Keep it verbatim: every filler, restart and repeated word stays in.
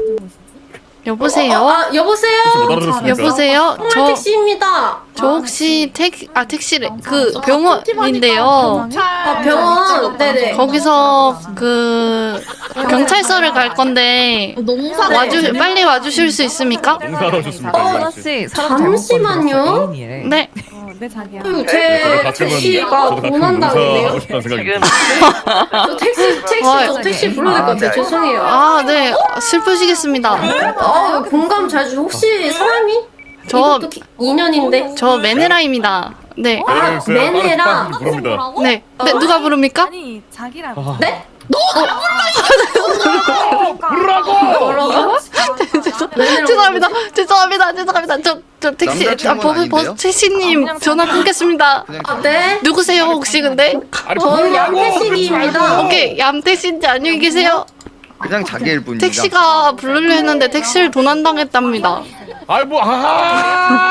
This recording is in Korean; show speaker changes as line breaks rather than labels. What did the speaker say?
여보세요?
어, 아, 여보세요?
여보세요? 저,
택시입니다.
저 혹시 택, 아, 택시래. 그 병원인데요.
아, 병원. 네네.
거기서 그 경찰서를 갈 건데 와주 빨리 와주실 수 있습니까?
농사로 좋습니다.
어, 잠시만요.
네.
네 자기야.
음, 제 택시가 도난당했네요.
싶다는 생각이
저 택시, 택시, 저 택시 불러야 될 것 같아요. 죄송해요.
아, 네. 슬프시겠습니다.
아, 공감 잘 주. 혹시 사람이?
저,
이것도 기- 인연인데.
저 메네라입니다. 네.
아, 매네라.
부릅니다.
네. 네, 누가 부릅니까?
아니 자기라고.
네?
부르라고!
죄송합니다. 죄송합니다. 죄송합니다. 저, 저 택시, 아,
남자친구는
버스,
아닌데요?
버스, 택시님 전화 끊겠습니다.
아, 네.
누구세요, 혹시 근데?
아니
저
부르라고!
양태식입니다.
오케이, 얌택시인지 안녕히 계세요.
그냥 자기일 뿐입니다.
택시가 부르려 했는데 택시를 도난당했답니다.
아이 뭐 아하!